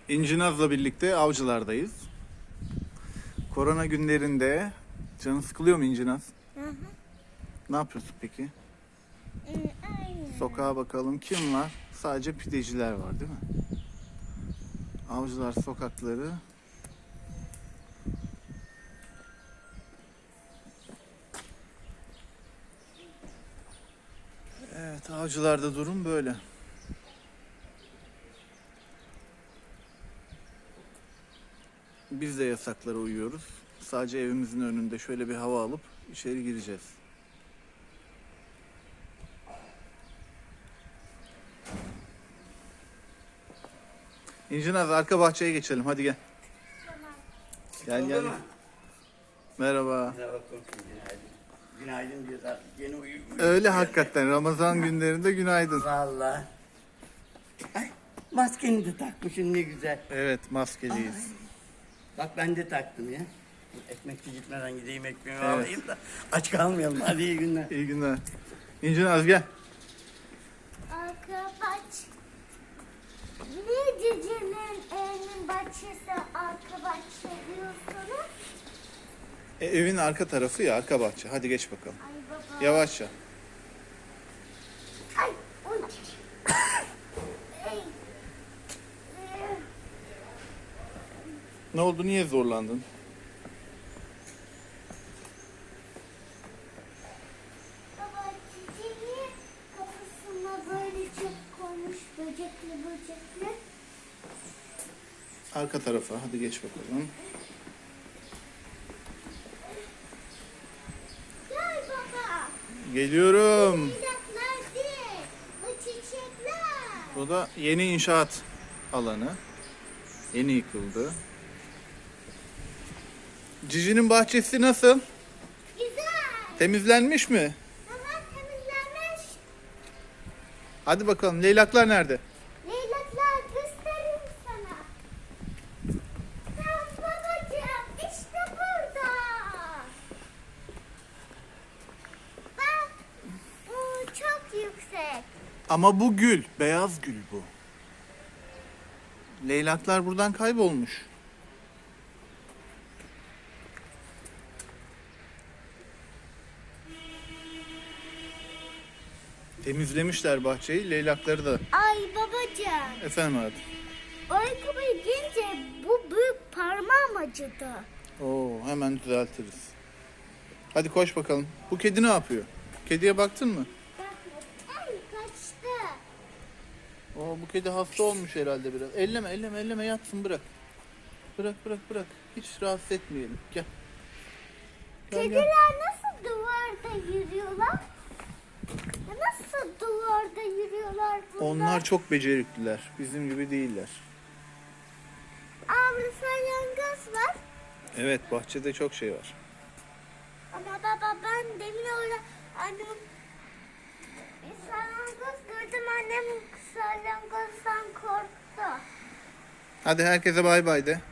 İnci Naz'la birlikte avcılardayız. Korona günlerinde canın sıkılıyor mu İnci Naz? Hı hı. Ne yapıyorsun peki? Aynen. Sokağa bakalım kim var? Sadece pideciler var değil mi? Avcılar sokakları. Evet, avcılarda durum böyle. Biz de yasaklara uyuyoruz. Sadece evimizin önünde şöyle bir hava alıp içeri gireceğiz. İnci Naz, arka bahçeye geçelim. Hadi gel. Gel gel. Merhaba. Merhaba komşum, günaydın. Günaydın diyoruz artık yeni uyuyor. Öyle hakikaten. Ramazan günlerinde günaydın. Valla. Ay, maskeni de takmışsın ne güzel. Evet, maskeliyiz. Ay. Bak ben de taktım ya. Ekmekçi gitmeden gideyim ekmeğimi Evet. alayım da aç kalmayalım. Hadi iyi günler. İyi günler. İnci Naz gel. Arka bahçe. Niye cicinin evinin bahçesi arka bahçe diyorsunuz? Evin arka tarafı ya, arka bahçe. Hadi geç bakalım. Ay baba. Yavaşça. Ay. Uy. Ey. Ne oldu? Niye zorlandın? Baba cicinin kapısına böyle çöp koymuş böcekli. Arka tarafa. Hadi geç bakalım. Gel baba. Geliyorum. Çiçekler değil. Bu çiçekler. Bu da yeni inşaat alanı. Yeni yıkıldı. Cici'nin bahçesi nasıl? Güzel. Temizlenmiş mi? Hemen temizlenmiş. Hadi bakalım. Leylaklar nerede? Leylaklar göstereyim sana. Tamam babacığım işte burada. Bak bu çok yüksek. Ama bu gül. Beyaz gül bu. Leylaklar buradan kaybolmuş. Temizlemişler bahçeyi. Leylakları da. Ay babacığım. Efendim hayatım. O ayakkabıyı giyince bu büyük parmağım acıdı. Oo, hemen düzeltiriz. Hadi koş bakalım. Bu kedi ne yapıyor? Kediye baktın mı? Bakma. Ay kaçtı. Oo, bu kedi hasta olmuş herhalde biraz. Elleme yatsın bırak. Bırak. Hiç rahatsız etmeyelim. Gel. Gel. Kediler nasıl duvarda yürüyorlar? Nasıl duvarda yürüyorlar bunlar? Onlar çok becerikliler. Bizim gibi değiller. Abi salyangoz var. Evet, bahçede çok şey var. Ama baba ben demin orada annem bir salyangoz gördüm. Annem salyangozdan korktu. Hadi herkese bay bay de.